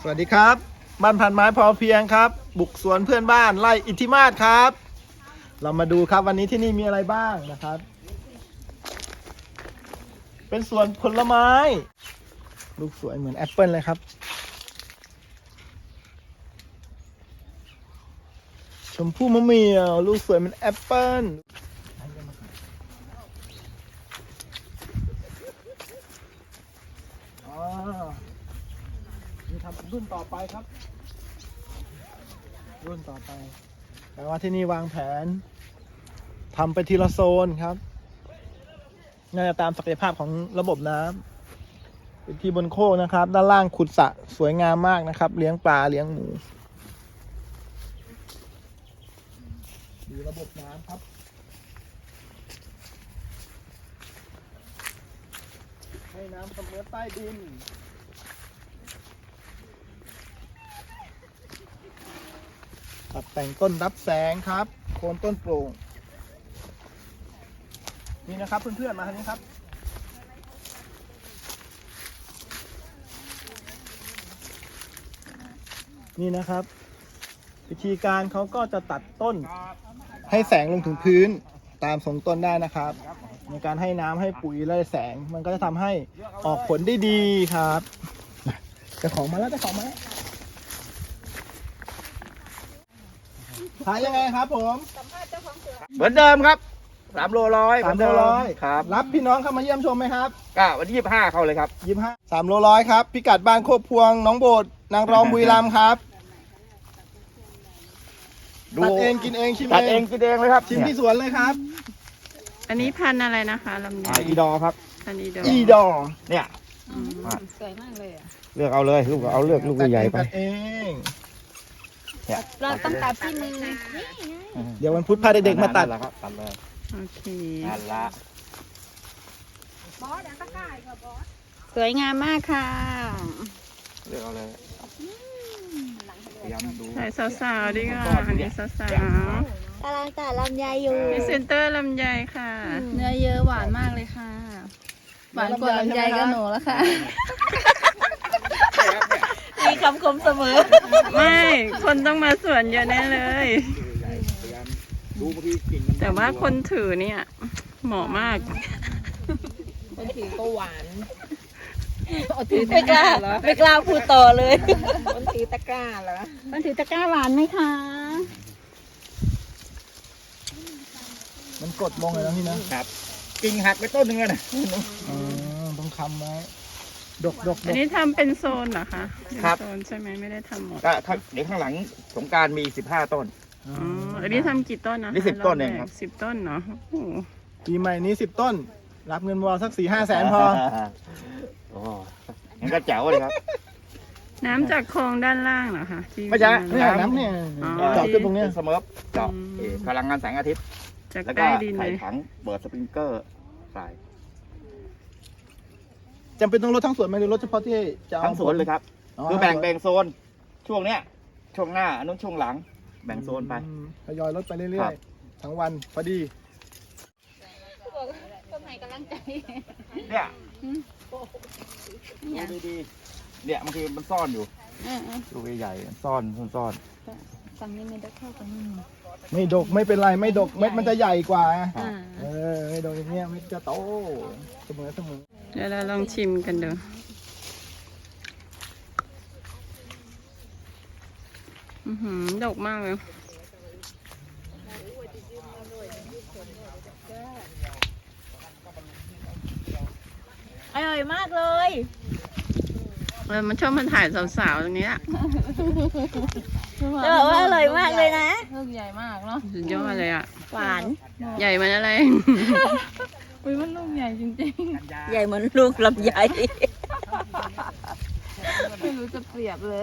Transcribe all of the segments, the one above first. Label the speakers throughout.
Speaker 1: สวัสดีครับบ้านพันไม้พอเพียงครับบุกสวนเพื่อนบ้านไร่อิทธิมาศครับ เรามาดูครับวันนี้ที่นี่มีอะไรบ้างนะครับ เป็นสวนผลไม้ลูกสวยเหมือนแอปเปิลเลยครับชมพู่มะเหมี่ยวลูกสวยเหมือนแอปเปิลนี่ทำรุ่นต่อไปครับรุ่นต่อไปแต่ว่าที่นี่วางแผนทำไปทีละโซนครับน่าจะตามศักยภาพของระบบน้ำเป็นที่บนโคกนะครับด้านล่างขุดสระสวยงามมากนะครับเลี้ยงปลาเลี้ยงหมูดูระบบน้ำครับให้น้ำเสมอใต้ดินตัดแต่งต้นรับแสงครับโคนต้นโปร่งนี่นะครับเพื่อนๆมาทางนี้ครับนี่นะครับวิธีการเขาก็จะตัดต้นให้แสงลงถึงพื้นตามทรงต้นได้นะครับในการให้น้ำให้ปุ๋ยและแสงมันก็จะทำให้ออกผลได้ดีครับเจ้าของมาแล้วขายยังไงครับผม
Speaker 2: เหมือนเดิมครับ3 โล 100
Speaker 1: 3 โล 100
Speaker 2: ครับ
Speaker 1: รับพี่น้องเข้ามาเยี่ยมชมไหมครับ
Speaker 2: ก็วันที่25เข้าเลยครับ
Speaker 1: 25 3 โล 100ครับพิกัดบ้านโคกพวงน้องโบดนางรองบุรีรัมย์ครับตัดเองกินเองชิม
Speaker 2: ตัดเองกินเองเลยครับ
Speaker 1: ชิมที่สวนเลยครับ
Speaker 3: อันนี้พันธุ์อะไรนะคะลำไย
Speaker 2: อีดอครับ
Speaker 3: พันธุ์อีโด
Speaker 1: อีดอ
Speaker 2: เนี่ย
Speaker 3: สวยมากเลยอ่ะ
Speaker 2: เลือกเอาเลยลูกเอาเลือกลูกใหญ่ๆไป
Speaker 1: ตัดเอง
Speaker 3: เราต้องตัดที่มือ
Speaker 1: เดี๋ยววันพุธพาเด็กๆมาตัด
Speaker 2: แล้วครับตัดเลย
Speaker 3: โอเค
Speaker 2: นั่นละ
Speaker 3: สวยงามมากค่ะ
Speaker 2: เลือกเอาเลยพยายามดู
Speaker 3: ใส่สาวๆดีกว่าอันนี้สาว
Speaker 4: กำลังตัดลำไยอยู่
Speaker 3: ๆพรีเซนเตอร์ลำไยค่ะ
Speaker 4: เนื้อเยอะหวานมากเลยค่ะ หวานกว่าลำไยก็หนูแล้วค่ะ มีคำคมเสมอ
Speaker 3: ไม่คนต้องมาสวนเยอะแน่เลย
Speaker 2: พยายามดูบางทีกิ่งมัน
Speaker 3: แต่ว่าคนถือเนี่ยเหมาะมาก
Speaker 4: คนถือก็หวานไม่กล้าพูดต่อเลย
Speaker 5: คนถือตะกร้าเหรอ
Speaker 4: คนถือตะกร้าหวานไหมคะ
Speaker 1: มันกดลงเลยนะพี่นะครับ
Speaker 2: กิ่งหักไปต้นหนึงเลยนะ
Speaker 1: ต้องคำไว้ดก
Speaker 3: อันนี้ทำเป็นโซนเหรอคะเป็นโซนใช่ไหมไม่ได้ทำหมด
Speaker 2: ก็เดี๋ยวข้างหลังสงกรารมี15 ต้น
Speaker 3: อ๋ออันนี้ทำกี่ต้นนะคะ
Speaker 2: นี่10 ต้นเองครับ
Speaker 3: 10 ต้นเนาะโอ้โห
Speaker 1: ปีใหม่นี้10 ต้น รับเงินบอลสัก 4-5 แสนพอ
Speaker 2: โอ้งั้นก็แจ๋วเลยครับ
Speaker 3: น้ำจากคลองด้านล่างเหรอคะที่
Speaker 2: ไม่ใช่
Speaker 1: เนี่ยน้ำเนี่ย
Speaker 3: อ๋อ
Speaker 1: เจาะขึ้นตรงเนี้ย
Speaker 2: สเมิร์ฟเจาะพลังงานแสงอาทิตย์
Speaker 3: จาก
Speaker 2: แล้ว
Speaker 3: ใต้
Speaker 2: ก็
Speaker 3: ดินเล
Speaker 2: ใส่
Speaker 3: ย
Speaker 2: ถังเปิดสปริงเกอร์ใส่
Speaker 1: จำเป็นต้องลดทั้งสวนไหมหรือลดเฉพาะที่จะเอา
Speaker 2: ทั้งสวนเลยครับ
Speaker 1: อ๋อ
Speaker 2: คือแบ่งโซนช่วงเนี้ยช่วงหน้าอันนู้นช่วงหลัง แบ่งโซนไป
Speaker 1: ทยอยลดไปเรื่
Speaker 2: ครั
Speaker 1: อย
Speaker 2: บ
Speaker 1: ๆ ทั้งวันพอดี
Speaker 4: คนไหนกำลังใจ
Speaker 2: เนี่ยดูดีๆเนี่ยบางทีมันซ่อนอยู่ลูกใหญ่ๆมันซ่อน
Speaker 4: ฝั่งนี้ไม่ได้เข้าฝั่งนี้
Speaker 1: ไม่ดกไม่เป็นไรไม่ดกเม็ดมันจะใหญ่กว่า
Speaker 4: อ่า
Speaker 1: ไม่ดกอย่างเงี้ยเม็ดจะโตเสมอ
Speaker 3: เดี๋ยวเราลองชิมกันดูดกมากเลย
Speaker 4: อร่อยมากเลย
Speaker 3: มันชอบมันถ่ายสาวๆตรงนี้อะ
Speaker 4: จะบอกว่าอร่อยมากเลยนะ
Speaker 5: ลูกใหญ่มากเนาะ
Speaker 3: สุดยอดเลยอ่ะ
Speaker 4: หวาน
Speaker 3: ใหญ่มันอะไร
Speaker 5: อุ้ยมันลูกใหญ่จริง
Speaker 4: ใหญ่เหมือนลูกลำไย
Speaker 5: ๆ ไม่รู้จะเปรียบเลย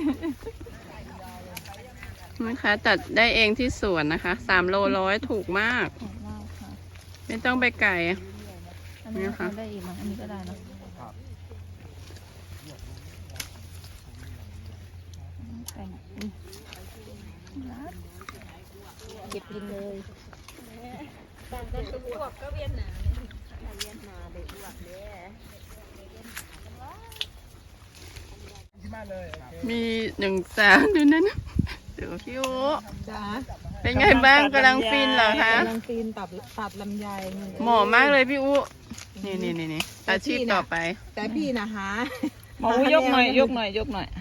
Speaker 3: นะคะตัดได้เองที่สวนนะคะ3 โล 100ถูกมาก ไม่ต้องไปไกล
Speaker 5: อันนี้ก็ได้อีกมั้งอันนี้ก็ได้เนอะแต่ง
Speaker 4: เก็บกินเลย
Speaker 3: มี1 สาวดูนั่นเดี๋ยวพี่โอ
Speaker 4: จ้า
Speaker 3: เป็นไงบ้างกำลังฟินเหรอคะ
Speaker 4: กำลังตีนตัดลำไย
Speaker 3: เหมาะมากเลยพี่อุนี่อาชีพต่อไป
Speaker 4: แต่พี่นะหา
Speaker 5: หมอยกหน่อยยกหน่อยยกหน่อย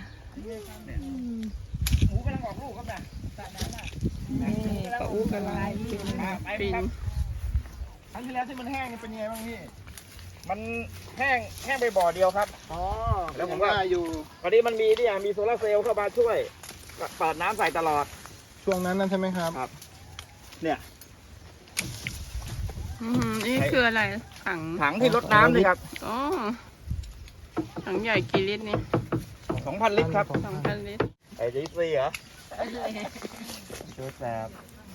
Speaker 2: หมูกำลังออกลูกครับเนี่ย
Speaker 5: นี่ปะอู้กระไร
Speaker 3: ฟิน
Speaker 1: ครั้งที่แล้วที่มันแห้งนี่เป็นยังไงบ้างพี่
Speaker 2: มันแห้งไปบ่อเดียวครับ
Speaker 1: อ๋อ
Speaker 2: แล้วผมว่า
Speaker 1: อยู่
Speaker 2: พอดีมันมีโซลาร์เซลล์เข้ามาช่วยเปิดน้ำใส่ตลอด
Speaker 1: ช่วงนั้นนั่นใช่ไหมครับ
Speaker 2: ครับ เนี่ย
Speaker 3: นี่คืออะไรถัง
Speaker 2: ถังที่รดน้ำเลยครับ
Speaker 3: อ๋อถังใหญ่กี่ลิตรนี่
Speaker 2: 2,000 ลิตรครับ
Speaker 3: 2,000 ลิตร
Speaker 2: ไอ้ดิสซี่เหรอชูแสบ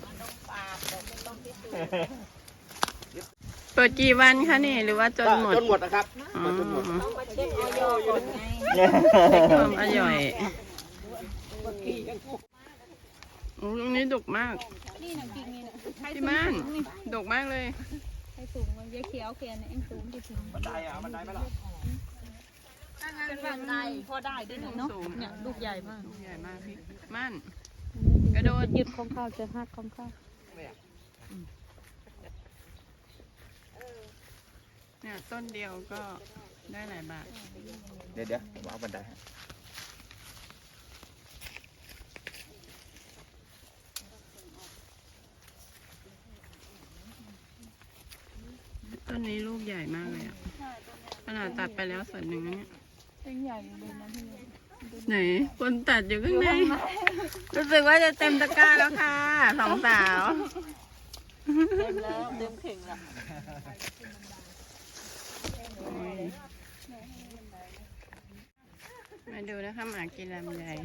Speaker 3: เปิดกี่วันคะนี่หรือว่าจนหมด
Speaker 2: จนหมดนะครับ
Speaker 3: อ๋อ
Speaker 2: จนหมด
Speaker 4: เช็คออยก่อนไง
Speaker 3: เช็คความอร่อยโอ้ตรงนี้ดกมาก
Speaker 5: นี่นะกินนี่นะ
Speaker 3: พี่ม่านดกมากเลย
Speaker 5: ให้สูงมันเยอะเขียวเขียนเองสูงที่ถึง
Speaker 2: บันไดอ่ะบันไดไหมล่ะ
Speaker 5: เป็นบันไดพอได้ด้วยเนาะเนี่ยลูกใหญ่มาก
Speaker 3: ลูกใหญ่มากพี่ม่านกระโดด
Speaker 5: ยึดของข้าวจะหักของข้าว
Speaker 3: เนี่ยต้นเดียวก็ได้หลายบาท
Speaker 2: เดี๋ยวผมเอาบันไดให้
Speaker 3: ต้นนี้ลูกใหญ่มากเลยอ่ะขนาดตัดไปแล้วส่วนหนึ่งนะเนี่ย
Speaker 5: เป็นใหญ่เลยนะพี่
Speaker 3: ไหนคนตัดอยู่ข้างในรู้สึกว่าจะเต็มตะกร้าแล้วค่ะ2 สาว
Speaker 4: เต็มแล้วเต็มเข่งแล้ว
Speaker 3: มาดูนะคะหมากินลำไย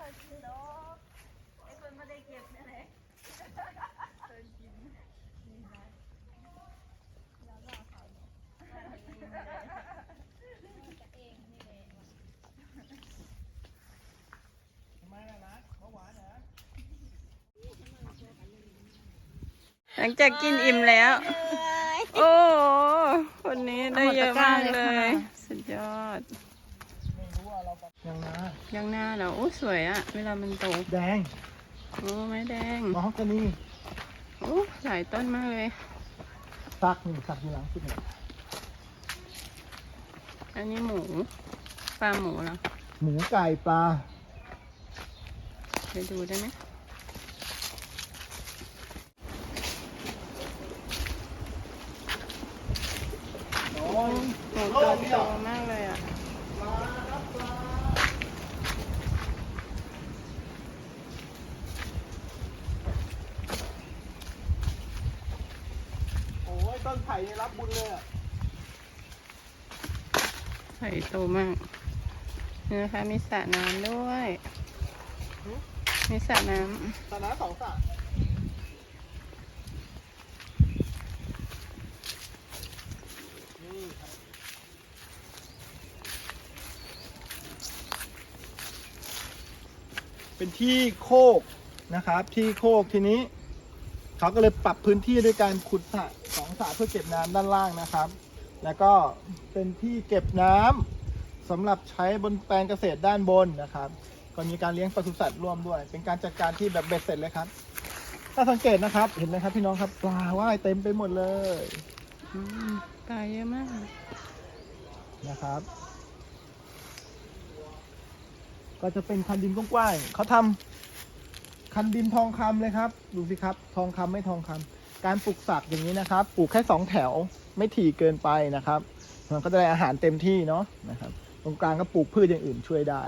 Speaker 3: หลังจากกินอิ่มแล้ว โอ้คนนี้ได้เยอะมากเลย สุดยอด
Speaker 1: ยังนะ
Speaker 3: ยังหน้าเหรอโอ้สวยอะเวลามันโต
Speaker 1: แดง
Speaker 3: โอ้ไม้แดง
Speaker 1: มอฮอกกานี
Speaker 3: โอ้หลายต้นมากเลย
Speaker 1: สักอยู่หลังสุดหนึ่ง
Speaker 3: อันนี้หมูฟาร์มหมูเหรอ
Speaker 1: หมูไก่ปลา
Speaker 3: ไปดูได้ไหมหมูตัวโตมากเลยอ่ะ
Speaker 1: โอ้ยต้นไผ่นี่รับบุญเลยอ่ะ
Speaker 3: ไข่โตมากนี่นะคะมีสระน้ำด้วย มีสระน้
Speaker 1: ตอนนั้น2 สระนี่ครับเป็นที่โคกนะครับ ที่โคกทีนี้เขาก็เลยปรับพื้นที่ด้วยการขุดสระ2 สระเพื่อเก็บน้ำด้านล่างนะครับ แล้วก็เป็นที่เก็บน้ำสำหรับใช้บนแปลงเกษตรด้านบนนะครับก็มีการเลี้ยงปศุสัตว์ร่วมด้วย เป็นการจัดการที่แบบเบ็ดเสร็จเลยครับ ถ้าสังเกตนะครับ เห็นไหมครับพี่น้องครับปลาว่ายเต็มไปหมดเลย
Speaker 3: ำปลาเยอะมาก
Speaker 1: นะครับ ก็จะเป็นคันดินกว้างๆเขาทำคันดินทองคำเลยครับ ดูสิครับ ทองคำไม่ทองคำการปลูกสักอย่างนี้นะครับ ปลูกแค่2 แถวไม่ถี่เกินไปนะครับ มันก็จะได้อาหารเต็มที่เนาะนะครับ ตรงกลางก็ปลูกพืชอย่างอื่นช่วยได้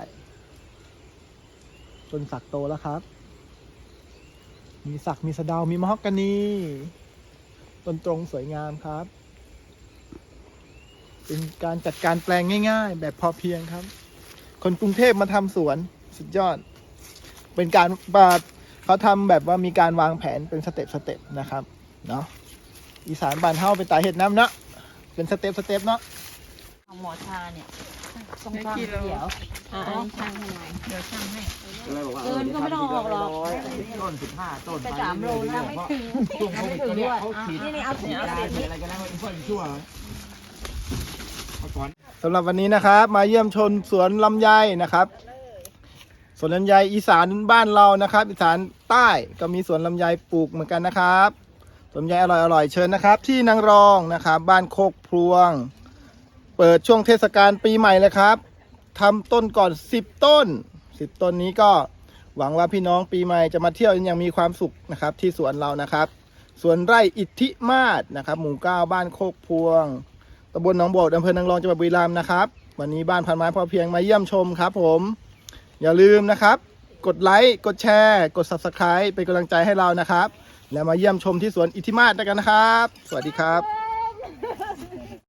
Speaker 1: ต้นสักโตแล้วครับ มีสักมีสะเดามีมะฮอกกานีต้นตรงสวยงามครับ เป็นการจัดการแปลงง่ายๆ แบบพอเพียงครับ คนกรุงเทพมาทำสวนสุดยอด เป็นการเขาทำแบบว่ามีการวางแผนเป็นสเต็ปนะครับเนาะอีสานบ้านเฮาเป็นตาเห็ดน้ำเนาะเป็นสเต็ปเนาะ
Speaker 4: ของหมอชาเนี่ยต้อง
Speaker 3: ได้
Speaker 4: ฟัง
Speaker 3: กี่โล
Speaker 4: เดี๋ยวช่างให้หน่อยเดี๋ยวช่างให้
Speaker 2: เกินก็ไม่ต้องออกหรอกต้น15 ต้น
Speaker 4: แต่3 โลนะไม่ถึง
Speaker 2: ช่วงโควิดเนี่ยเขาฉีด
Speaker 4: นี่เอาถุง
Speaker 2: ยาฉีดอะไรกันแล้วมันเพิ่มชั่วเมื่อก่อน
Speaker 1: สำหรับวันนี้นะครับ มาเยี่ยมชมสวนลำไยนะครับสวนลำไยอีสานบ้านเรานะครับอีสานใต้ก็มีสวนลำไยปลูกเหมือนกันนะครับสวนลำไยอร่อยๆเชิญนะครับที่นางรองนะครับบ้านโคกพลวงเปิดช่วงเทศกาลปีใหม่เลยครับทำต้นก่อน10 ต้น10 ต้นนี้ก็หวังว่าพี่น้องปีใหม่จะมาเที่ยวอย่างมีความสุขนะครับที่สวนเรานะครับสวนไร่อิทธิมาศนะครับหมู่ 9บ้านโคกพลวงตำบลหนองโบดอำเภอนางรองจังหวัดบุรีรัมย์นะครับวันนี้บ้านพันไม้พอเพียงมาเยี่ยมชมครับผมอย่าลืมนะครับกดไลค์กดแชร์กด Subscribe เป็นกำลังใจให้เรานะครับแล้วมาเยี่ยมชมที่สวนอิทธิมาศด้วยกันนะครับสวัสดีครับ